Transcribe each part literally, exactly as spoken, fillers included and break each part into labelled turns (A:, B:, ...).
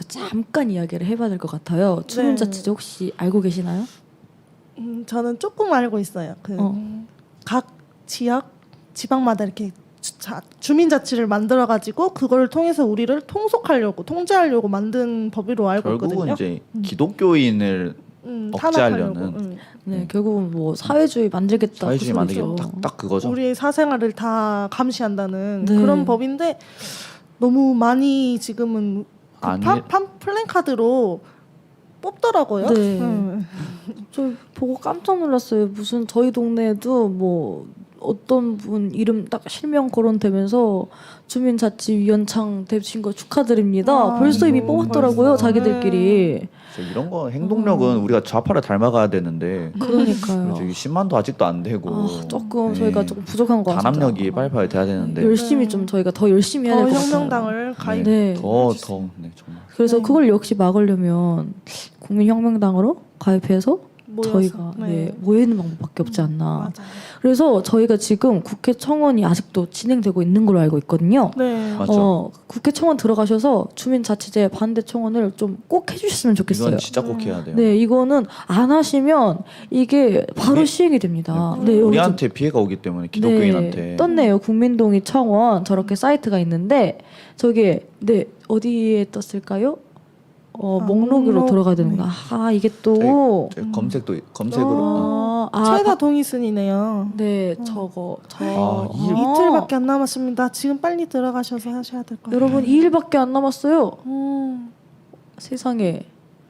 A: 잠깐 이야기를 해봐야 될 것 같아요. 주민자치제 혹시 알고 계시나요?
B: 음, 저는 조금 알고 있어요. 그 각
A: 어.
B: 지역, 지방마다 이렇게 주, 자, 주민자치를 만들어가지고 그걸 통해서 우리를 통속하려고, 통제하려고 만든 법으로 알고
C: 결국은
B: 있거든요.
C: 이제 기독교인을
B: 음,
C: 억제하려는
B: 탄압하려고, 음.
A: 네, 결국은 뭐 사회주의 만들겠다.
C: 사회주의
A: 그
C: 만들기
A: 소리죠.
C: 딱, 딱 그거죠.
B: 우리의 사생활을 다 감시한다는
A: 네.
B: 그런 법인데 너무 많이 지금은 그
C: 아니-
B: 파, 팜 플랜카드로 뽑더라고요.
A: 네.
B: 음.
A: 저 보고 깜짝 놀랐어요. 무슨 저희 동네에도 뭐 어떤 분 이름 딱 실명 거론되면서 주민자치위원장 되신 거 축하드립니다.
B: 아,
A: 벌써 이미
C: 음,
A: 뽑았더라고요.
B: 벌써.
A: 자기들끼리.
C: 그래서 이런 거 행동력은
A: 음.
C: 우리가 좌파를 닮아가야 되는데
A: 그러니까요.
C: 저기 십만도 아직도 안 되고
A: 아, 조금
C: 네.
A: 저희가 조금 부족한 것 같아요.
C: 단합력이 빨리빨리 돼야 되는데
A: 열심히
B: 네.
A: 좀 저희가 더 열심히 해야
B: 더
A: 될 것 같아요.
B: 혁명당을 가입.
A: 네.
C: 더 더 네, 정말
A: 그래서
B: 네.
A: 그걸 역시 막으려면 국민혁명당으로 가입해서
B: 모여서.
A: 저희가 네, 모이는 방법밖에 없지 않나.
B: 맞아요.
A: 그래서 저희가 지금 국회 청원이 아직도 진행되고 있는 걸로 알고 있거든요.
B: 네.
C: 맞죠.
A: 어, 국회 청원 들어가셔서 주민자치제 반대 청원을 좀 꼭 해주셨으면 좋겠어요.
C: 이건 진짜 꼭 해야 돼요.
A: 네, 이거는 안 하시면 이게 바로
C: 우리-
A: 시행이 됩니다.
B: 네,
A: 네, 여기 좀-
C: 우리한테 피해가 오기 때문에 기독교인한테
A: 네, 떴네요. 국민동의 청원 저렇게 사이트가 있는데 저게 네 어디에 떴을까요? 어,
B: 아,
A: 목록으로
B: 목록.
A: 들어가야 되는구나. 아 이게 또
C: 저희 검색도 검색으로
A: 아, 아,
B: 최다
A: 바-
B: 동의순이네요.
A: 네 저거 저
C: 아, 이-
A: 아,
B: 이틀밖에 안 남았습니다. 지금 빨리 들어가셔서 하셔야 될 거예요.
A: 여러분 이 일밖에 안 남았어요.
B: 음.
A: 세상에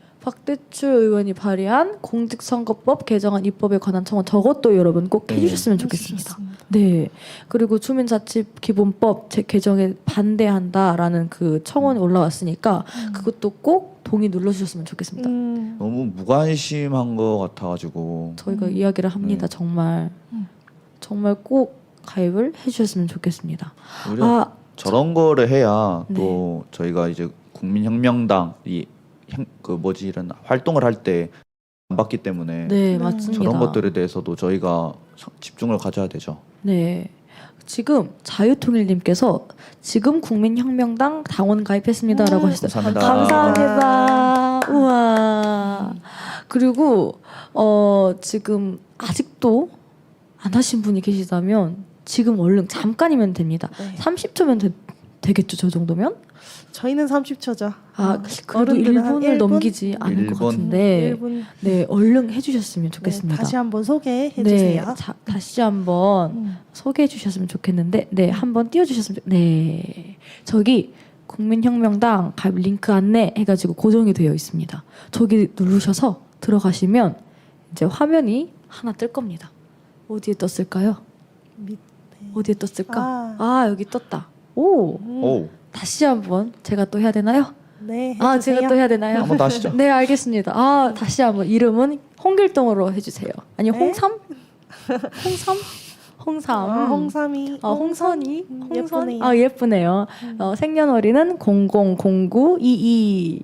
A: 박대추 의원이 발의한 공직선거법 개정안 입법에 관한 청원 저것도 여러분 꼭
C: 네.
A: 해주셨으면 좋겠습니다. 네. 그리고 주민자치기본법 제- 개정에 반대한다라는 그 청원이 올라왔으니까 그것도 꼭 동의 눌러주셨으면 좋겠습니다.
B: 음.
C: 너무 무관심한 것 같아가지고
A: 저희가
B: 음.
A: 이야기를 합니다.
C: 네.
A: 정말
B: 음.
A: 정말 꼭 가입을 해주셨으면 좋겠습니다.
C: 오히려
A: 아
C: 저런 거를 해야
A: 네.
C: 또 저희가 이제 국민혁명당 이 그 뭐지 이런 활동을 할 때 안 받기 때문에
A: 네,
B: 네.
A: 맞습니다.
C: 저런 것들에 대해서도 저희가 서- 집중을 가져야 되죠.
A: 네. 지금 자유통일님께서 지금 국민혁명당 당원 가입했습니다라고
B: 음,
A: 하셨어요.
C: 감사합니다.
A: 감사합니다. 우와. 그리고 어 지금 아직도 안 하신 분이 계시다면 지금 얼른 잠깐이면 됩니다.
B: 네.
A: 삼십 초면 되, 되겠죠, 저 정도면?
B: 저희는 삼십 초죠.
A: 아, 그래도
B: 어른들은 한
A: 일 분을
B: 일 분?
A: 넘기지 않을 것
C: 일 분.
A: 같은데.
B: 일 분.
A: 네, 얼른 해주셨으면
B: 네,
A: 좋겠습니다.
B: 다시 한번 소개해
A: 네,
B: 주세요.
A: 자, 다시 한번
B: 음.
A: 소개해 주셨으면 좋겠는데, 네, 한번 띄워주셨으면 좋. 네, 저기 국민혁명당 가입 링크 안내 해가지고 고정이 되어 있습니다. 저기 누르셔서 들어가시면 이제 화면이 하나 뜰 겁니다. 어디에 떴을까요?
B: 밑에.
A: 어디에 떴을까?
B: 아.
A: 아, 여기 떴다. 오,
B: 음.
C: 오,
A: 다시 한번 제가 또 해야 되나요?
B: 네, 해주세요.
A: 아, 제가 또 해야 되나요?
C: 한번 더 하시죠.
A: 네, 알겠습니다. 아, 다시 한번 이름은 홍길동으로 해주세요. 아니
B: 네.
A: 홍삼? 홍삼? 홍삼.
B: 아, 홍삼이.
A: 어, 홍선이.
B: 음,
A: 홍선.
B: 예쁘네요.
A: 아, 예쁘네요.
B: 음.
A: 어, 생년월일은 공공공구이이.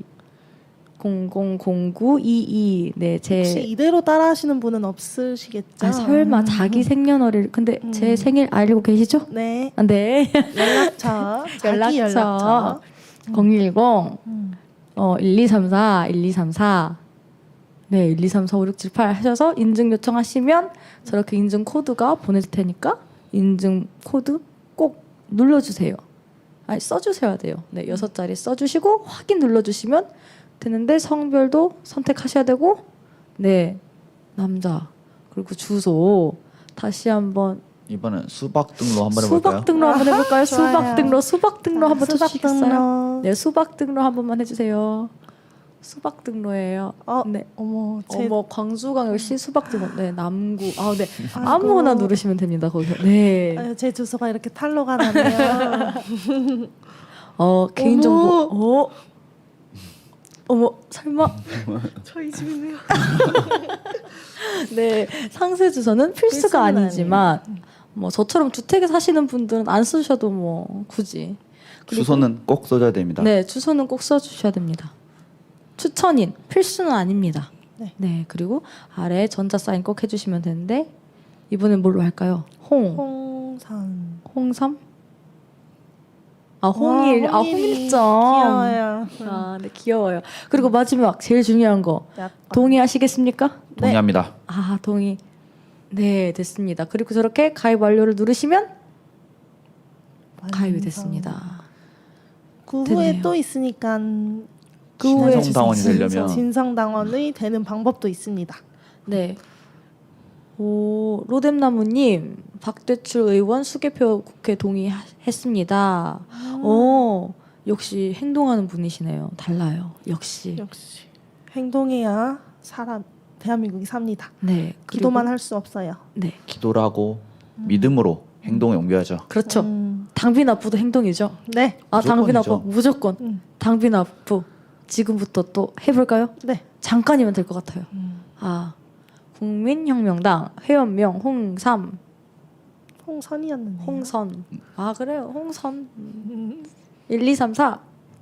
A: 공공공구이이. 네, 제.
B: 혹시 이대로 따라하시는 분은 없으시겠죠?
A: 아, 설마 자기 생년월일. 근데
B: 음.
A: 제 생일 알고 계시죠?
B: 네.
A: 아, 네.
B: 연락처. 자기
A: 연락처.
B: 연락처.
A: 공일공
B: 음.
A: 어, 일이삼사, 일이삼사. 네, 일이삼사, 오육칠팔 하셔서 인증 요청하시면 저렇게 인증 코드가 보내질 테니까 인증 코드 꼭 눌러주세요. 아니, 써주셔야 돼요. 네, 여섯 자리 써주시고 확인 눌러주시면 되는데 성별도 선택하셔야 되고, 네, 남자 그리고 주소 다시 한번
C: 이번엔 수박 등로 한번 해볼까요?
A: 수박 등로 한번 해볼까요?
B: 아하,
A: 수박
B: 좋아요.
A: 등로, 수박 등로 한번
B: 수박
A: 쳐주시겠어요?
B: 등로.
A: 네, 수박 등로 한 번만 해주세요. 수박 등로예요.
B: 어,
A: 네.
B: 어머, 제
A: 어머, 광주광역시 수박 등로. 네, 남구. 아, 네.
B: 아이고.
A: 아무거나 누르시면 됩니다. 거기서. 네.
B: 아유, 제 주소가 이렇게 탈로가 나네요.
A: 어, 개인정보. 어. 어머, 설마.
B: 저희 집이네요.
A: 네, 상세 주소는 필수가
B: 필수는
A: 아니지만 뭐 저처럼 주택에 사시는 분들은 안 쓰셔도 뭐 굳이. 그리고-
C: 주소는 꼭 써줘야 됩니다.
A: 네, 주소는 꼭 써주셔야 됩니다. 추천인 필수는 아닙니다.
B: 네.
A: 네, 그리고 아래 전자 사인 꼭 해주시면 되는데 이번엔 뭘로 할까요? 홍,
B: 홍삼.
A: 홍삼. 아 홍일,
B: 와,
A: 아
B: 홍일이
A: 홍일점.
B: 귀여워요.
A: 아, 네 귀여워요. 그리고 마지막 제일 중요한 거
B: 약간.
A: 동의하시겠습니까?
C: 동의합니다.
A: 아 동의. 네 됐습니다. 그리고 저렇게 가입 완료를 누르시면 가입이 됐습니다.
B: 그 후에
A: 됐네요.
B: 또 있으니까
A: 그 후에
C: 진성당원이 되려면
B: 진성당원이 되는 방법도 있습니다.
A: 네. 오 로뎀나무님 박대출 의원 수개표 국회 동의했습니다. 오 역시 행동하는 분이시네요. 달라요. 역시.
B: 역시 행동해야 사람 대한민국이 삽니다.
A: 네. 그리고-
B: 기도만 할 수 없어요.
A: 네.
C: 기도를 하고 믿음으로 행동에 옮겨야죠.
A: 그렇죠.
B: 음,
A: 당비 납부도 행동이죠.
B: 네,
A: 아 당비
C: 무조건이죠.
A: 납부 무조건.
B: 음.
A: 당비 납부 지금부터 또 해볼까요?
B: 네.
A: 잠깐이면 될 것 같아요.
B: 음.
A: 아 국민혁명당 회원명 홍삼
B: 홍선이었는데.
A: 홍선. 아 그래요 홍선.
B: 음.
A: 일, 이, 삼, 사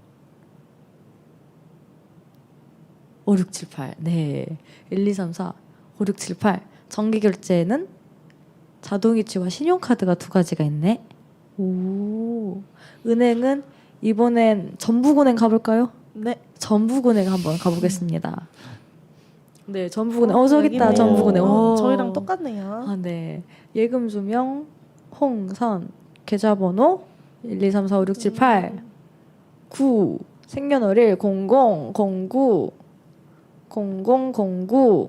A: 오, 육, 칠, 팔. 네. 일, 이, 삼, 사, 오, 육, 칠, 팔. 정기 결제는 자동이체와 신용카드가 두 가지가 있네. 오. 은행은 이번엔 전북은행 가볼까요?
B: 네.
A: 전북은행 한번 가보겠습니다. 네, 전북은행. 어, 저기 있다.
B: 여기네요.
A: 전북은행.
B: 어,
A: 오.
B: 저희랑 똑같네요.
A: 아, 네. 예금 조명 홍선 계좌번호 일, 이, 삼, 사, 오, 육, 칠, 팔 구 생년월일 공공 공구 공공 공구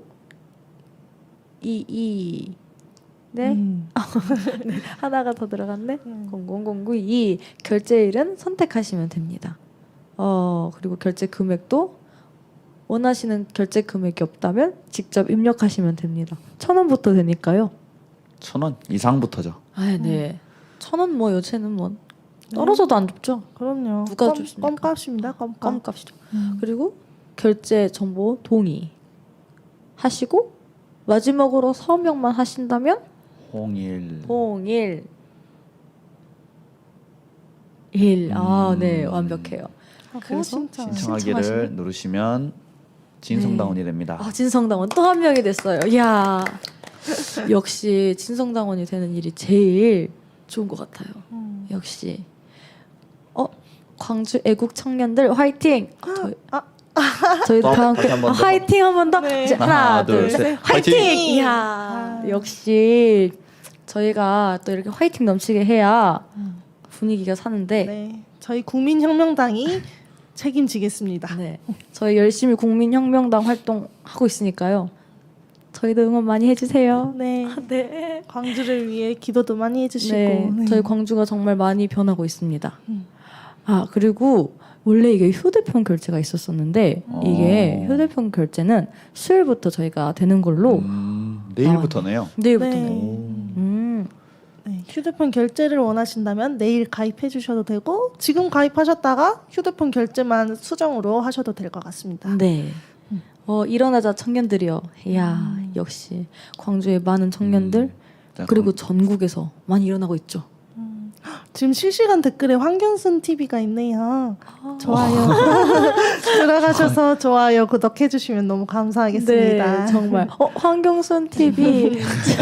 A: 이이 네
B: 음.
A: 하나가 더 들어갔네.
B: 음.
A: 공공공구 이 결제일은 선택하시면 됩니다. 어 그리고 결제 금액도 원하시는 결제 금액이 없다면 직접 입력하시면 됩니다. 천 원부터 되니까요.
C: 천 원 이상부터죠.
A: 아 네. 천 원 뭐 요새는 뭐 떨어져도 안 줍죠.
B: 그럼요.
A: 누가
B: 껌,
A: 줍습니까?
B: 껌값입니다. 껌값.
A: 껌값이죠.
B: 음.
A: 그리고 결제 정보 동의 하시고 마지막으로 서명만 하신다면
C: 홍일.
A: 홍일 일. 아, 네.
C: 음.
A: 완벽해요.
B: 하고
A: 그래서
B: 신청.
C: 신청하기를
A: 신청하시면?
C: 누르시면 진성당원이 됩니다.
A: 아, 진성당원 또 한 명이 됐어요. 이야. 역시 진성당원이 되는 일이 제일 좋은 것 같아요.
B: 음.
A: 역시. 어, 광주 애국 청년들 화이팅. 저희,
B: 아.
A: 저희도
C: 또
A: 다
C: 다시
A: 함께
C: 한번
A: 아,
C: 더.
A: 화이팅 한 번 더.
B: 네.
A: 이제 하나,
C: 하나,
A: 둘,
C: 둘,
A: 셋.
C: 셋.
A: 화이팅.
C: 화이팅!
A: 이야.
B: 아.
A: 역시 저희가 또 이렇게 화이팅 넘치게 해야
B: 음.
A: 분위기가 사는데
B: 네. 저희 국민혁명당이 책임지겠습니다.
A: 네. 저희 열심히 국민혁명당 활동하고 있으니까요. 저희도 응원 많이 해주세요.
B: 네.
A: 네.
B: 광주를 위해 기도도 많이 해주시고.
A: 네.
B: 네.
A: 저희 광주가 정말 많이 변하고 있습니다.
B: 음.
A: 아 그리고 원래 이게 휴대폰 결제가 있었었는데
C: 어.
A: 이게 휴대폰 결제는 수요일부터 저희가 되는 걸로
C: 음, 내일부터네요.
A: 내일부터는.
B: 네.
A: 음.
B: 네, 휴대폰 결제를 원하신다면 내일 가입해 주셔도 되고 지금 가입하셨다가 휴대폰 결제만 수정으로 하셔도 될 것 같습니다.
A: 네.
B: 음.
A: 어 일어나자 청년들이요. 이야 역시 광주의 많은 청년들
C: 음, 자,
A: 그리고
C: 그럼
A: 전국에서 많이 일어나고 있죠.
B: 음. 지금 실시간 댓글에 황경순 티비가 있네요.
A: 아.
B: 좋아요. 들어가셔서 좋아요, 구독해 주시면 너무 감사하겠습니다.
A: 네, 정말. 어, 황경순 티비.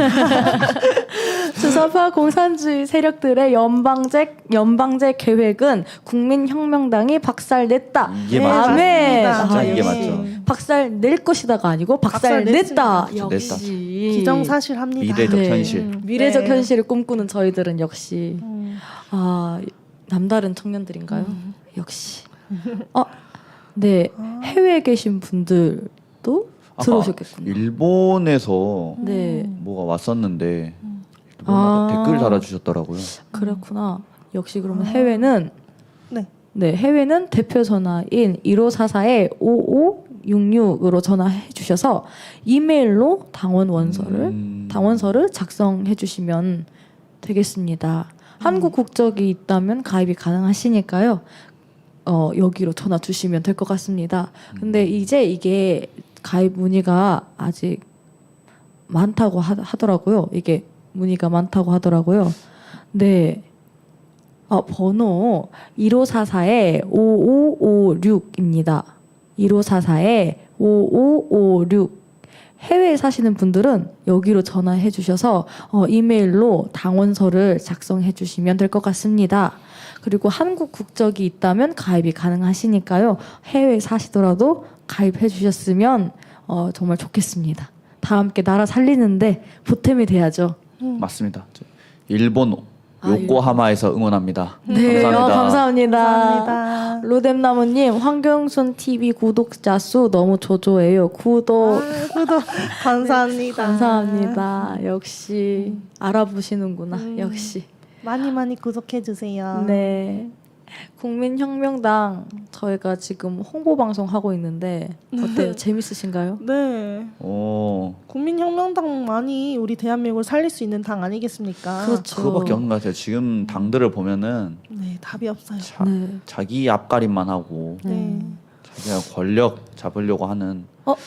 A: 주사파 공산주의 세력들의 연방제 연방제 계획은 국민혁명당이 박살냈다.
C: 이게
B: 네,
C: 맞죠.
A: 아멘.
B: 맞습니다.
C: 진짜 이게
A: 역시.
C: 맞죠.
A: 박살 낼 것이다가 아니고 박살 냈다.
B: 박살
A: 역시.
B: 기정사실합니다.
C: 미래적
A: 네.
C: 현실.
B: 음,
A: 미래적
B: 네.
A: 현실을 꿈꾸는 저희들은 역시
B: 음.
A: 아 남다른 청년들인가요?
B: 음.
A: 역시. 어, 네
B: 아.
A: 해외에 계신 분들도
C: 아까
A: 들어오셨겠군요.
C: 일본에서
A: 네.
C: 뭐가 왔었는데
B: 음.
C: 일본
A: 아.
C: 댓글 달아주셨더라고요.
A: 그렇구나. 역시 그러면
B: 아.
A: 해외는
B: 네.
A: 네 해외는 대표 전화인 일오사사에 오오육육으로 전화해 주셔서 이메일로 당원 원서를
C: 음.
A: 당원서를 작성해 주시면 되겠습니다. 한국 국적이 있다면 가입이 가능하시니까요. 어, 여기로 전화 주시면 될 것 같습니다. 근데 이제 이게 가입 문의가 아직 많다고 하, 하더라고요. 이게 문의가 많다고 하더라고요. 네. 어, 번호 일오사사에 오오오육입니다. 일오사사에 오오오육. 해외에 사시는 분들은 여기로 전화해 주셔서 어, 이메일로 당원서를 작성해 주시면 될 것 같습니다. 그리고 한국 국적이 있다면 가입이 가능하시니까요. 해외에 사시더라도 가입해 주셨으면 어, 정말 좋겠습니다. 다 함께 나라 살리는데 보탬이 돼야죠.
C: 맞습니다. 저 일본
A: 아,
C: 요코하마에서 응원합니다.
A: 네,
C: 감사합니다.
A: 어, 감사합니다.
B: 감사합니다.
A: 로뎀나무님, 황경순 티비 구독자 수 너무 조조해요. 구독
B: 아, 구독 감사합니다.
A: 감사합니다. 역시 알아보시는구나.
B: 음.
A: 역시.
B: 많이 많이 구독해 주세요.
A: 네. 국민혁명당 저희가 지금 홍보 방송 하고 있는데 어때요? 재밌으신가요?
B: 네.
C: 오,
B: 국민혁명당만이 우리 대한민국을 살릴 수 있는 당 아니겠습니까?
A: 그렇죠.
C: 그거밖에 없는 것 같아요. 지금 당들을 보면은
B: 네, 답이 없어요.
C: 자,
A: 네.
C: 자기 앞가림만 하고
B: 네.
C: 자기가 권력 잡으려고 하는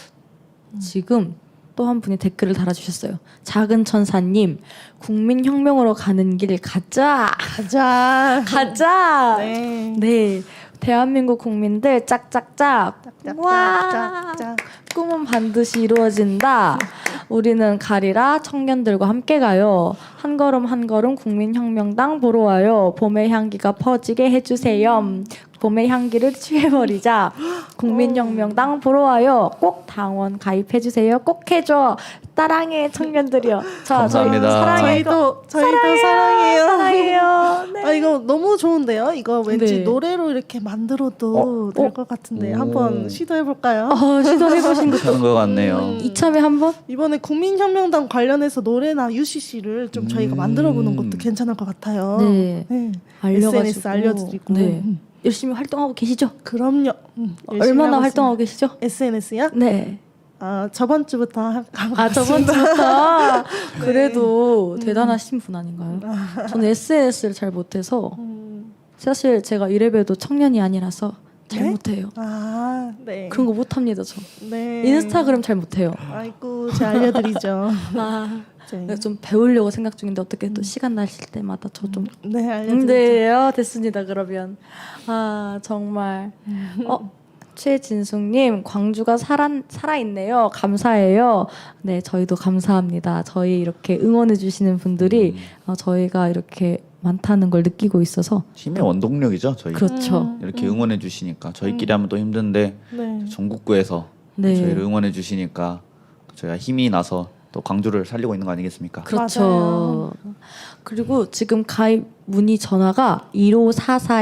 A: 지금 또 한 분이 댓글을 달아주셨어요. 작은 천사님, 국민혁명으로 가는 길 가자,
B: 가자.
A: 가자.
B: 네.
A: 네, 대한민국 국민들 짝짝짝. 와,
B: 짝짝짝.
A: 꿈은 반드시 이루어진다. 우리는 가리라 청년들과 함께 가요. 한 걸음 한 걸음 국민혁명당 보러 와요. 봄의 향기가 퍼지게 해주세요. 봄의 향기를 취해버리자. 국민혁명당 보러 와요. 꼭 당원 가입해주세요. 꼭 해줘. 따랑해 청년들이요. 자, 저희
C: 감사합니다.
A: 사랑해요.
B: 저희도 저희도 사랑해요.
A: 사랑해요. 네.
B: 아 이거 너무 좋은데요. 이거 왠지
A: 네.
B: 노래로 이렇게 만들어도
C: 어?
B: 될
A: 어?
B: 것 같은데
C: 오.
B: 한번 시도해 볼까요?
A: 어, 시도해보신 거
C: 괜찮은 것 같네요.
B: 음.
A: 이참에 한번?
B: 이번에 국민혁명당 관련해서 노래나 유씨씨를 좀 저희가
C: 음.
B: 만들어 보는 것도 괜찮을 것 같아요.
A: 네.
B: 네.
A: 알려가지고.
B: 에스엔에스 알려드리고.
A: 네.
B: 음.
A: 열심히 활동하고 계시죠?
B: 그럼요. 음, 열심히
A: 얼마나
B: 하고
A: 활동하고 계시죠?
B: 있습니다. 에스엔에스요?
A: 네.
B: 아 저번 주부터 하- 하고
A: 아 저번
B: 있습니다.
A: 주부터
B: 네.
A: 그래도
B: 음.
A: 대단하신 분 아닌가요? 저는 에스엔에스를 잘 못해서
B: 음.
A: 사실 제가 이래봬도 청년이 아니라서 잘
B: 네?
A: 못해요.
B: 아 네.
A: 그런 거 못합니다 저.
B: 네.
A: 인스타그램 잘 못해요.
B: 아이고 제가 알려드리죠.
A: 아,
B: 네.
A: 좀 배우려고 생각 중인데 어떻게 또 시간 나실 때마다 저 좀.
B: 네 알려드리죠.
A: 네, 어, 됐습니다. 그러면 아 정말 어 최진숙님 광주가 살아 살아 있네요. 감사해요. 네, 저희도 감사합니다. 저희 이렇게 응원해 주시는 분들이
C: 음,
A: 어, 저희가 이렇게 많다는 걸 느끼고 있어서
C: 힘의 원동력이죠. 저희
A: 그렇죠.
B: 음.
C: 이렇게 응원해 주시니까 저희끼리 하면 또 힘든데
B: 네.
C: 전국구에서
A: 네,
C: 저희를 응원해 주시니까 저희가 힘이 나서 또 광주를 살리고 있는 거 아니겠습니까?
A: 그렇죠.
B: 맞아요.
A: 그리고 지금 가입 문의 전화가 일오사사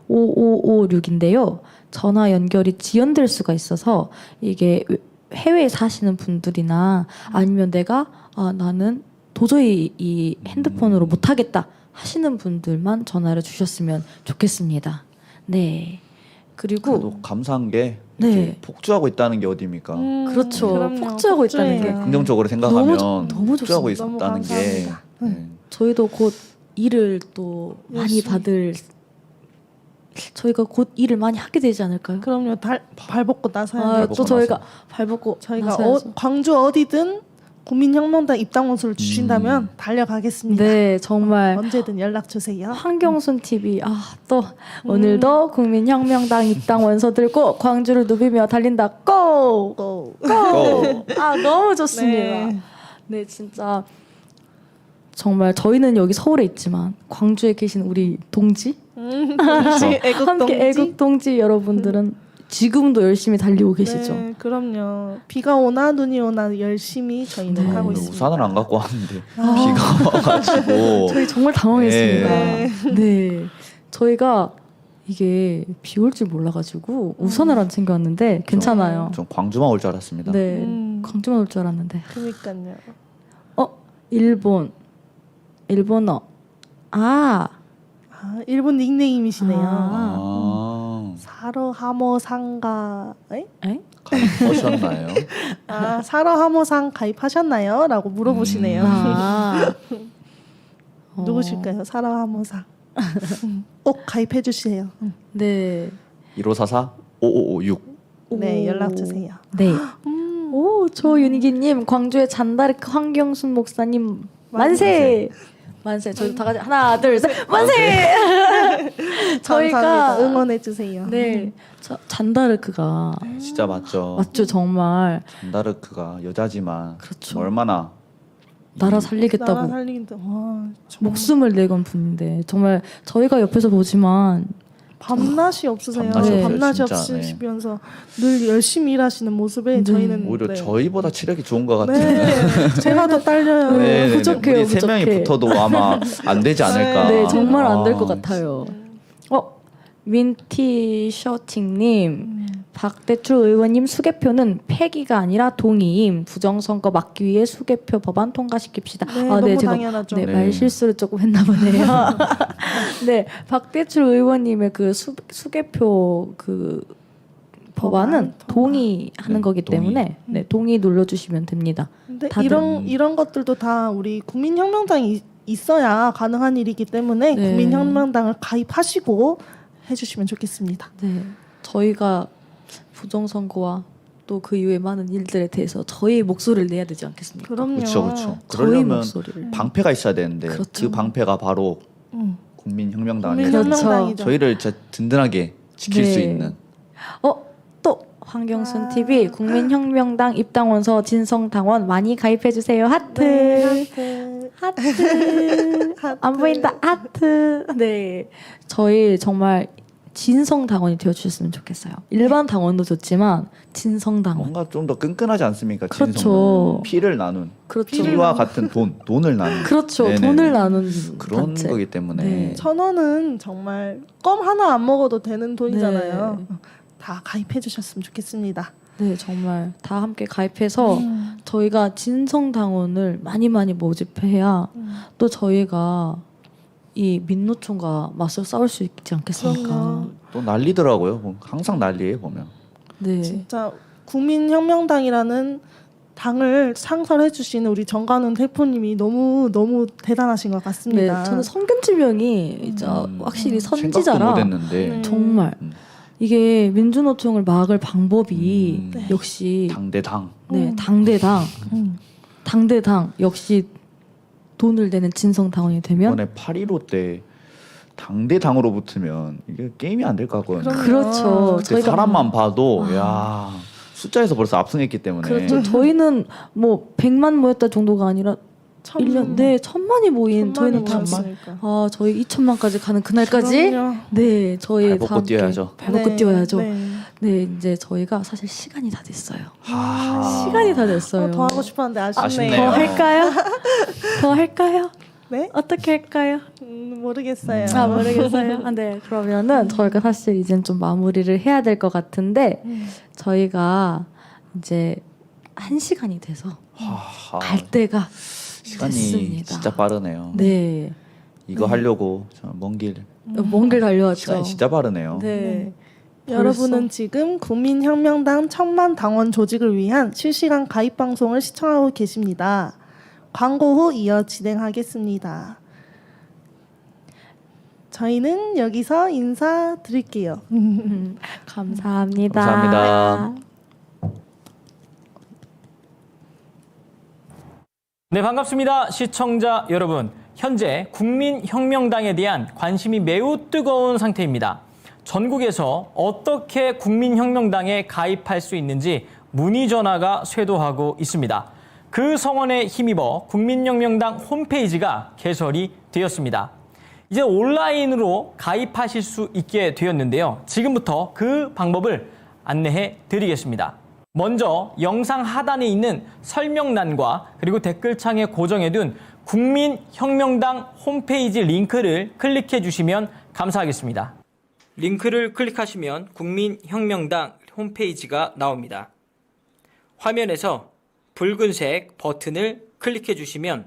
A: 오오오육인데요. 전화 연결이 지연될 수가 있어서 이게 해외에 사시는 분들이나 아니면 내가 아, 나는 도저히 이 핸드폰으로 못 하겠다 하시는 분들만 전화를 주셨으면 좋겠습니다. 네. 그리고
C: 그래도 감사한 게
A: 네.
C: 이렇게 폭주하고 있다는 게 어디입니까?
B: 음,
A: 그렇죠.
B: 그럼요.
A: 폭주하고 있다는 게.
B: 폭주해요.
C: 긍정적으로 생각하면
A: 너무 좋- 너무
C: 폭주하고
A: 좋습니다.
C: 있었다는
B: 너무
C: 게
B: 감사합니다.
C: 네.
A: 저희도 곧 일을 또 많이
B: 열심히.
A: 받을 저희가 곧 일을 많이 하게 되지 않을까요?
B: 그럼요. 달, 발벗고 나서야
A: 아,
B: 돼요.
C: 발벗고
A: 또 저희가
C: 나서.
A: 발벗고
B: 저희가 어,
A: 나서야죠.
B: 광주 어디든 국민혁명당 입당 원서를 주신다면
C: 음.
B: 달려가겠습니다.
A: 네, 정말
B: 언제든 연락 주세요.
A: 황경순 티비 아 또 오늘도 국민혁명당 입당 원서 들고 광주를 누비며 달린다 고!
B: 고.
C: 고!
A: 아 너무 좋습니다.
B: 네.
A: 네, 진짜 정말 저희는 여기 서울에 있지만 광주에 계신 우리 동지
B: 음, 동지, 애국
A: 함께
B: 동지.
A: 애국 동지 여러분들은 지금도 열심히 달리고 계시죠.
B: 네, 그럼요. 비가 오나 눈이 오나 열심히 저희는
A: 네.
B: 하고
C: 오늘
B: 있습니다.
C: 우산을 안 갖고 왔는데
A: 아.
C: 비가 와가지고
A: 저희 정말 당황했습니다.
B: 네.
A: 네. 저희가 이게 비 올 줄 몰라가지고 우산을 안 챙겨왔는데 괜찮아요.
C: 좀 광주만 올 줄 알았습니다.
A: 네.
B: 음.
A: 광주만 올 줄 알았는데.
B: 그러니까요.
A: 어? 일본. 일본어. 아.
B: 아, 일본 닉네임이시네요.
A: 아.
C: 아,
B: 사러 하모 상가. 에?
A: 에?
C: 가입하셨나요?
B: 아, 사러 하모상 가입하셨나요? 라고 물어보시네요.
A: 아. 어.
B: 누구실까요? 사러 하모상. 음, 꼭 가입해 주세요. 음.
A: 네.
C: 일오사사 오오오육
B: 네,
A: 오.
B: 연락 주세요.
A: 네.
B: 음,
A: 오, 조윤기님, 광주의 잔다르크 황경순 목사님 만세. 만세. 저희 다 같이 하나, 둘, 셋, 만세. 저희가
B: 감사합니다. 응원해 주세요.
A: 네, 저, 잔다르크가
C: 진짜 맞죠.
A: 맞죠, 정말.
C: 잔다르크가 여자지만
A: 그렇죠.
C: 얼마나
A: 나라 살리겠다고
B: 나라 살리긴데 와 정말
A: 목숨을 내건 분인데 정말 저희가 옆에서 보지만
B: 밤낮이 없으세요.
C: 밤낮이
A: 없어요,
B: 밤낮이
C: 진짜.
B: 없으시면서 늘 열심히 일하시는 모습에
A: 네.
B: 저희는
C: 오히려
B: 네.
C: 저희보다 체력이 좋은 것 같은.
B: 네, 제가 더 딸려요.
A: 네.
C: 네,
A: 부족해요,
C: 우리 세 명이
A: 부족해.
C: 붙어도 아마 안 되지 않을까.
A: 네 정말 안 될 것
C: 아,
A: 같아요. 어 윈티셔팅님
B: 음.
A: 박대출 의원님 수개표는 폐기가 아니라 동의임. 부정선거 막기 위해 수개표 법안 통과시킵시다.
B: 네,
A: 아,
B: 너무
A: 제가
B: 당연하죠.
A: 네,
C: 네.
A: 말 실수를 조금 했나 보네요. 네, 박대출 의원님의 그 수, 수개표 그 법안은
B: 법안 통과.
A: 동의하는
C: 네,
A: 거기
C: 동의.
A: 때문에 네, 동의 눌러주시면 됩니다.
B: 근데
A: 다들-
B: 이런 이런 것들도 다 우리 국민혁명당이 이- 있어야 가능한 일이기 때문에
A: 네.
B: 국민혁명당을 가입하시고 해주시면 좋겠습니다.
A: 네, 저희가 부정선거와 또 그 이후의 많은 일들에 대해서 저희 목소리를 내야 되지 않겠습니까?
B: 그럼요.
C: 그렇죠, 그렇죠.
A: 저희
C: 그러려면
A: 목소리를.
C: 방패가 있어야 되는데
A: 그렇죠.
C: 그 방패가 바로
B: 음.
C: 국민혁명당
A: 그렇죠.
C: 아니에요.
B: 국민혁명당이죠.
C: 저희를 진짜 든든하게 지킬
A: 네.
C: 수 있는.
A: 어, 또 황경순
B: 아.
A: 티비 국민혁명당 입당원서 진성당원 많이 가입해 주세요. 하트.
B: 네, 하트.
A: 하트.
B: 하트.
A: 안 보인다. 하트. 네. 저희 정말 진성 당원이 되어 주셨으면 좋겠어요. 일반 당원도 좋지만 진성 당원.
C: 뭔가 좀 더 끈끈하지 않습니까?
A: 그렇죠.
C: 진성은. 피를 나눈
A: 그렇죠.
C: 피와 같은 돈, 돈을 나눈
A: 그렇죠.
C: 네네.
A: 돈을 나눈
C: 그런
A: 단체.
C: 거기 때문에
A: 네.
B: 천 원은 정말 껌 하나 안 먹어도 되는 돈이잖아요.
A: 네.
B: 다 가입해 주셨으면 좋겠습니다.
A: 네, 정말 다 함께 가입해서
B: 음.
A: 저희가 진성 당원을 많이 많이 모집해야
B: 음.
A: 또 저희가 이 민노총과 맞서 싸울 수 있지 않겠습니까?
B: 그럼요.
C: 또 난리더라고요. 뭐 항상 난리예요 보면.
A: 네.
B: 진짜 국민혁명당이라는 당을 창설해 주시는 우리 정관훈 대표님이 너무 너무 대단하신 것
A: 네,
B: 같습니다.
A: 저는 성견지명이 이제
C: 음,
A: 확실히
C: 생각도
A: 선지자라
C: 못했는데
B: 음.
A: 정말
C: 음.
A: 이게 민주노총을 막을 방법이
C: 음.
B: 네.
A: 역시
C: 당대당
A: 네
B: 음.
A: 당대당
B: 음.
A: 당대당 역시 돈을 내는 진성 당원이 되면
C: 이번에 팔일오 때 당대당으로 붙으면 이게 게임이 안 될 것 같거든요.
B: 그럼요.
A: 그렇죠.
C: 그때
A: 저희가
C: 사람만 봐도
A: 아.
C: 야 숫자에서 벌써 압승했기 때문에
A: 그렇죠. 저희는 뭐 백만 모였다 정도가 아니라
B: 천-
A: 일 년 네 천만이 모인 저희는 다
B: 모였으니까.
A: 아 저희 이천만까지 가는 그날까지
B: 그럼요.
A: 네 저희
C: 발벗고
A: 다 함께
C: 뛰어야죠.
A: 발벗고
B: 네,
A: 뛰어야죠.
B: 네.
A: 네 이제 저희가 사실 시간이 다 됐어요.
C: 하...
A: 시간이 다 됐어요.
B: 어, 더 하고 싶었는데 아쉽네요.
C: 아쉽네요.
A: 더 할까요? 더 할까요?
B: 네?
A: 어떻게 할까요?
B: 음, 모르겠어요.
A: 아 모르겠어요. 아, 네 그러면은 저희가 사실 이젠 좀 마무리를 해야 될 것 같은데
B: 음.
A: 저희가 이제 한 시간이 돼서
C: 하...
A: 갈 때가
C: 시간이
A: 됐습니다.
C: 진짜 빠르네요.
A: 네
C: 이거 하려고 먼 길
A: 먼 길 달려왔죠.
C: 시간이 진짜 빠르네요.
A: 네.
B: 여러분은 지금 국민혁명당 천만 당원 조직을 위한 실시간 가입 방송을 시청하고 계십니다. 광고 후 이어 진행하겠습니다. 저희는 여기서 인사드릴게요.
A: 음, 감사합니다.
C: 감사합니다.
D: 네, 반갑습니다. 시청자 여러분. 현재 국민혁명당에 대한 관심이 매우 뜨거운 상태입니다. 전국에서 어떻게 국민혁명당에 가입할 수 있는지 문의 전화가 쇄도하고 있습니다. 그 성원에 힘입어 국민혁명당 홈페이지가 개설이 되었습니다. 이제 온라인으로 가입하실 수 있게 되었는데요. 지금부터 그 방법을 안내해 드리겠습니다. 먼저 영상 하단에 있는 설명란과 그리고 댓글창에 고정해둔 국민혁명당 홈페이지 링크를 클릭해 주시면 감사하겠습니다. 링크를 클릭하시면 국민혁명당 홈페이지가 나옵니다. 화면에서 붉은색 버튼을 클릭해 주시면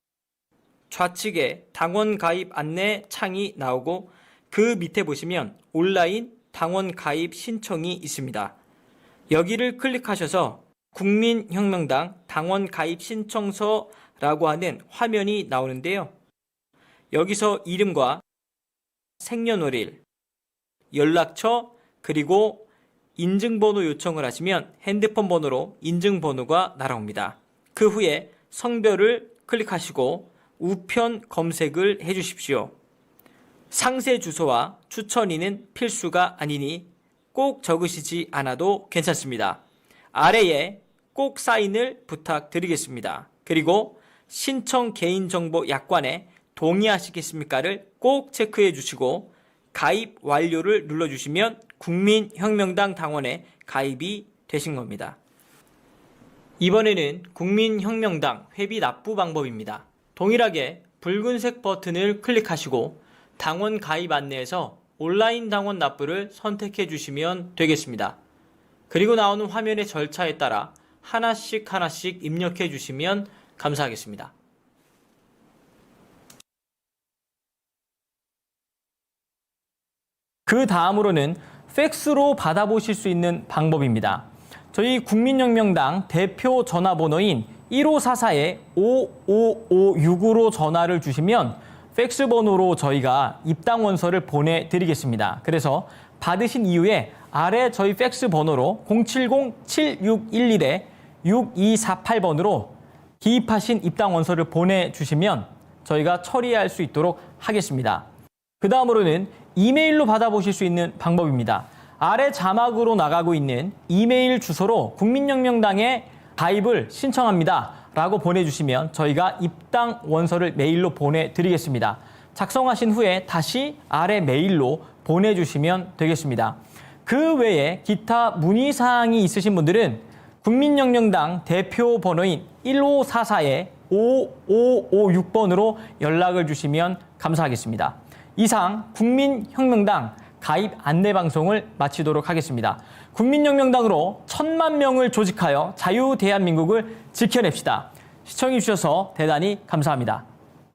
D: 좌측에 당원 가입 안내 창이 나오고 그 밑에 보시면 온라인 당원 가입 신청이 있습니다. 여기를 클릭하셔서 국민혁명당 당원 가입 신청서라고 하는 화면이 나오는데요. 여기서 이름과 생년월일, 연락처, 그리고 인증번호 요청을 하시면 핸드폰 번호로 인증번호가 날아옵니다. 그 후에 성별을 클릭하시고 우편 검색을 해주십시오. 상세 주소와 추천인은 필수가 아니니 꼭 적으시지 않아도 괜찮습니다. 아래에 꼭 사인을 부탁드리겠습니다. 그리고 신청 개인정보 약관에 동의하시겠습니까를 꼭 체크해 주시고 가입 완료를 눌러주시면 국민혁명당 당원에 가입이 되신 겁니다. 이번에는 국민혁명당 회비 납부 방법입니다. 동일하게 붉은색 버튼을 클릭하시고 당원 가입 안내에서 온라인 당원 납부를 선택해 주시면 되겠습니다. 그리고 나오는 화면의 절차에 따라 하나씩 하나씩 입력해 주시면 감사하겠습니다. 그 다음으로는 팩스로 받아보실 수 있는 방법입니다. 저희 국민혁명당 대표 전화번호인 일오사사 오오오육으로 전화를 주시면 팩스 번호로 저희가 입당 원서를 보내드리겠습니다. 그래서 받으신 이후에 아래 저희 팩스 번호로 공칠공 칠육일일 육이사팔 번으로 기입하신 입당 원서를 보내주시면 저희가 처리할 수 있도록 하겠습니다. 그 다음으로는 이메일로 받아보실 수 있는 방법입니다. 아래 자막으로 나가고 있는 이메일 주소로 국민혁명당에 가입을 신청합니다 라고 보내주시면 저희가 입당 원서를 메일로 보내드리겠습니다. 작성하신 후에 다시 아래 메일로 보내주시면 되겠습니다. 그 외에 기타 문의사항이 있으신 분들은 국민혁명당 대표 번호인 일오사사 오오오육 번으로 연락을 주시면 감사하겠습니다. 이상 국민혁명당 가입 안내방송을 마치도록 하겠습니다. 국민혁명당으로 천만 명을 조직하여 자유 대한민국을 지켜냅시다. 시청해 주셔서 대단히 감사합니다.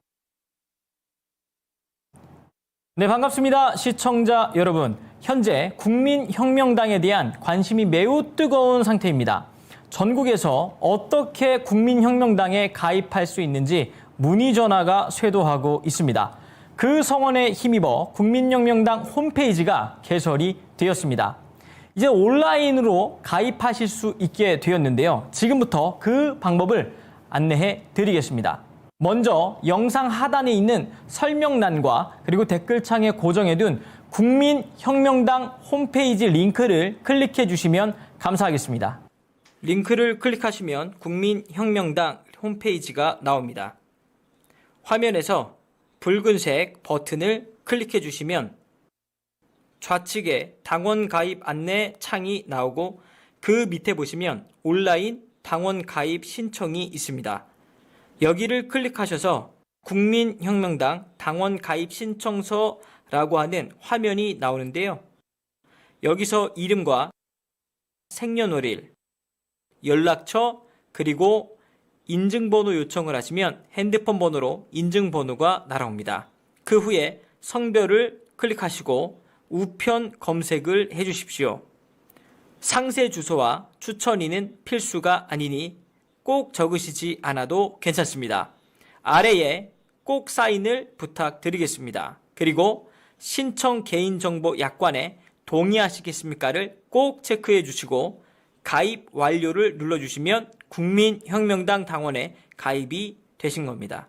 D: 네, 반갑습니다. 시청자 여러분. 현재 국민혁명당에 대한 관심이 매우 뜨거운 상태입니다. 전국에서 어떻게 국민혁명당에 가입할 수 있는지 문의 전화가 쇄도하고 있습니다. 그 성원에 힘입어 국민혁명당 홈페이지가 개설이 되었습니다. 이제 온라인으로 가입하실 수 있게 되었는데요. 지금부터 그 방법을 안내해 드리겠습니다. 먼저 영상 하단에 있는 설명란과 그리고 댓글창에 고정해둔 국민혁명당 홈페이지 링크를 클릭해 주시면 감사하겠습니다. 링크를 클릭하시면 국민혁명당 홈페이지가 나옵니다. 화면에서 붉은색 버튼을 클릭해 주시면 좌측에 당원 가입 안내 창이 나오고 그 밑에 보시면 온라인 당원 가입 신청이 있습니다. 여기를 클릭하셔서 국민혁명당 당원 가입 신청서라고 하는 화면이 나오는데요. 여기서 이름과 생년월일, 연락처, 그리고 인증번호 요청을 하시면 핸드폰 번호로 인증번호가 날아옵니다. 그 후에 성별을 클릭하시고 우편 검색을 해주십시오. 상세 주소와 추천인은 필수가 아니니 꼭 적으시지 않아도 괜찮습니다. 아래에 꼭 사인을 부탁드리겠습니다. 그리고 신청 개인정보 약관에 동의하시겠습니까를 꼭 체크해 주시고 가입 완료를 눌러주시면 국민혁명당 당원에 가입이 되신 겁니다.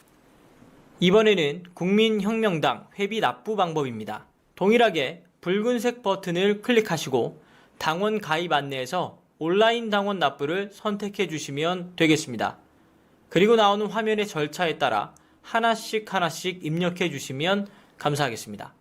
D: 이번에는 국민혁명당 회비 납부 방법입니다. 동일하게 붉은색 버튼을 클릭하시고 당원 가입 안내에서 온라인 당원 납부를 선택해 주시면 되겠습니다. 그리고 나오는 화면의 절차에 따라 하나씩 하나씩 입력해 주시면 감사하겠습니다.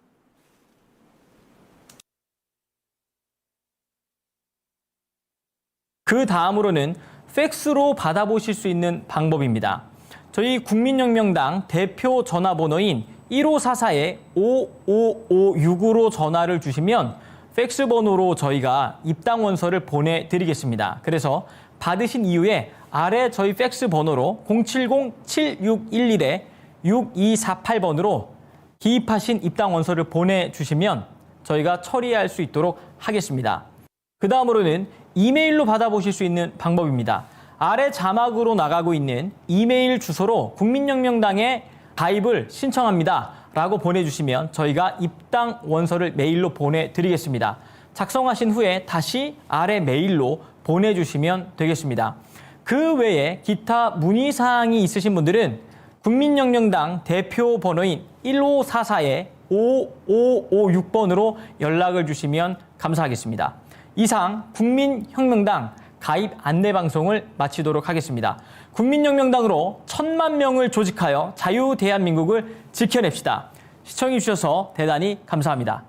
D: 그 다음으로는 팩스로 받아보실 수 있는 방법입니다. 저희 국민혁명당 대표 전화번호인 일오사사 오오오육으로 전화를 주시면 팩스 번호로 저희가 입당 원서를 보내드리겠습니다. 그래서 받으신 이후에 아래 저희 팩스 번호로 공칠공 칠육일일 육이사팔 번으로 기입하신 입당 원서를 보내주시면 저희가 처리할 수 있도록 하겠습니다. 그 다음으로는 이메일로 받아보실 수 있는 방법입니다. 아래 자막으로 나가고 있는 이메일 주소로 국민혁명당에 가입을 신청합니다 라고 보내주시면 저희가 입당 원서를 메일로 보내드리겠습니다. 작성하신 후에 다시 아래 메일로 보내주시면 되겠습니다. 그 외에 기타 문의사항이 있으신 분들은 국민혁명당 대표 번호인 일오사사 오오오육 번으로 연락을 주시면 감사하겠습니다. 이상 국민혁명당 가입 안내 방송을 마치도록 하겠습니다. 국민혁명당으로 천만 명을 조직하여 자유 대한민국을 지켜냅시다. 시청해주셔서 대단히 감사합니다.